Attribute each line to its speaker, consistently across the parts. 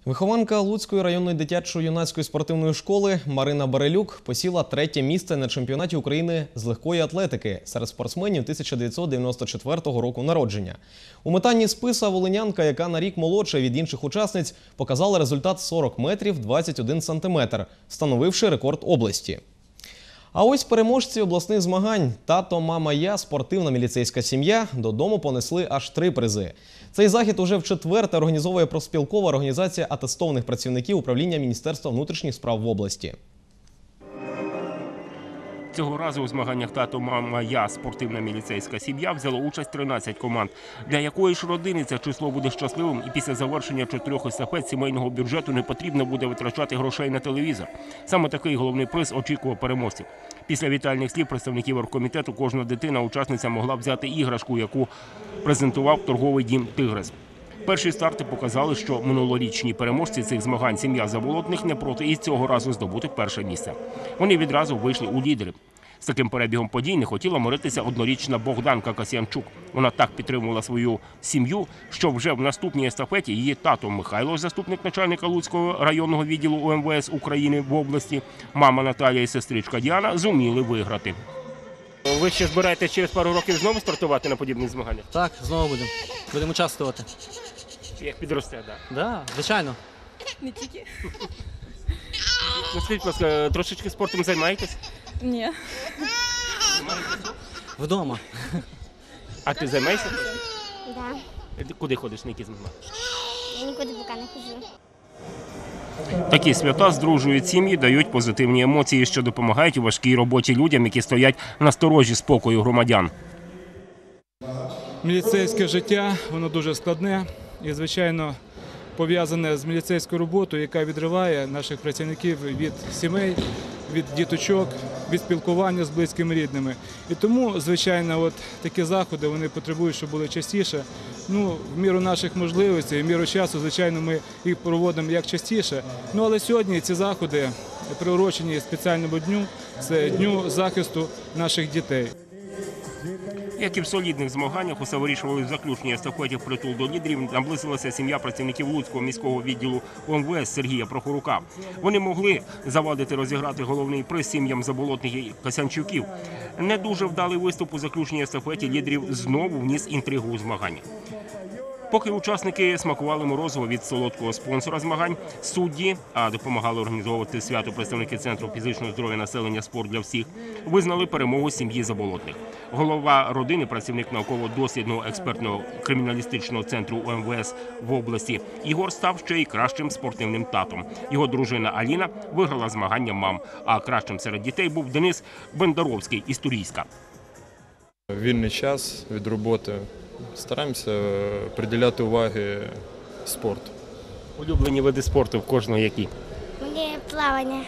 Speaker 1: Вихованка Луцької районної дитячо-юнацької спортивної школи Марина Барелюк посіла 3-є місце на чемпіонаті України з легкої атлетики серед спортсменів 1994 року народження. У метанні списа волинянка, яка на рік молодша від інших учасниць, показала результат 40 метрів 21 сантиметр, встановивши рекорд області. А ось переможці обласних змагань «Тато, мама, я» спортивна міліцейська сім'я додому понесли аж 3 призи. Цей захід уже вчетверте організовує профспілкова організація атестованих працівників управління Міністерства внутрішніх справ в області.
Speaker 2: Цього разу у змаганнях «Тато, мама, я» спортивна міліцейська сім'я взяло участь 13 команд. Для якої ж родини це число буде щасливим, і після завершення 4 естафет сімейного бюджету не потрібно буде витрачати грошей на телевізор. Саме такий головний приз очікував переможців. Після вітальних слів представників оргкомітету кожна дитина-учасниця могла взяти іграшку, яку презентував торговий дім «Тигрес». Перші старти показали, що минулорічні переможці цих змагань сім'я Заболотних не проти і цього разу здобути перше місце. Вони відразу вийшли у лідери. З таким перебігом подій не хотіла миритися однорічна Богданка Касьянчук. Вона так підтримувала свою сім'ю, що вже в наступній естафеті її тато Михайло, заступник начальника Луцького районного відділу УМВС України в області, мама Наталія і сестричка Діана зуміли виграти. Ви ще збираєтесь через пару років знову стартувати на подібних змаганнях?
Speaker 3: Так, знову будемо. Будемо участвувати.
Speaker 2: Як підросте, так?
Speaker 3: Так, звичайно.
Speaker 4: Не тільки.
Speaker 2: Ну, скажіть, будь ласка, трошечки спортом займаєтесь?
Speaker 4: Ні.
Speaker 3: Вдома.
Speaker 2: А ти займаєшся?
Speaker 5: Да.
Speaker 2: Куди ходиш, на які змагання?
Speaker 5: Я нікуди поки не ходжу.
Speaker 2: Такі свята здружують сім'ї, дають позитивні емоції, що допомагають у важкій роботі людям, які стоять на сторожі спокою громадян.
Speaker 6: Міліцейське життя, воно дуже складне і, звичайно, пов'язане з міліцейською роботою, яка відриває наших працівників від сімей, від діточок, від спілкування з близькими рідними. І тому, звичайно, такі заходи вони потребують, щоб були частіше. В міру наших можливостей, в міру часу, звичайно, ми їх проводимо як частіше. Але сьогодні ці заходи приурочені спеціальному дню – це Дню захисту наших дітей.
Speaker 2: Як і в солідних змаганнях, усе вирішували в заключній естафеті впритул до лідерів, наблизилася сім'я працівників Луцького міського відділу УМВС Сергія Прохорука. Вони могли завадити розіграти головний приз сім'ям Заболотних і Касянчуків. Не дуже вдалий виступ у заключній естафеті лідерів знову вніс інтригу у змагання. Поки учасники смакували морозиво від солодкого спонсора змагань, судді, а допомагали організовувати свято представники Центру фізичного здоров'я населення «Спорт для всіх», визнали перемогу сім'ї Заболотних. Голова родини, працівник науково-дослідного експертного криміналістичного центру УМВС в області, Ігор став ще й кращим спортивним татом. Його дружина Аліна виграла змагання мам, а кращим серед дітей був Денис Бендаровський із Турійська.
Speaker 7: Вільний час від роботи. Стараємося приділяти уваги спорту.
Speaker 2: Улюблені види спорту в кожного які?
Speaker 5: Мені плавання.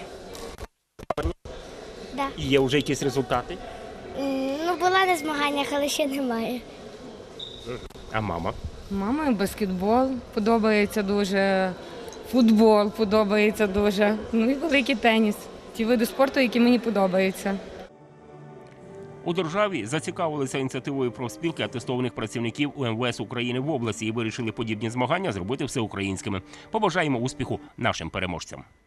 Speaker 5: Да.
Speaker 2: І є вже якісь результати?
Speaker 5: Була на змаганнях, але ще немає.
Speaker 2: А мама?
Speaker 8: Мама баскетбол подобається дуже, футбол подобається дуже, і великий теніс. Ті види спорту, які мені подобаються.
Speaker 2: У державі зацікавилися ініціативою профспілки атестованих працівників УМВС України в області і вирішили подібні змагання зробити всеукраїнськими. Побажаємо успіху нашим переможцям.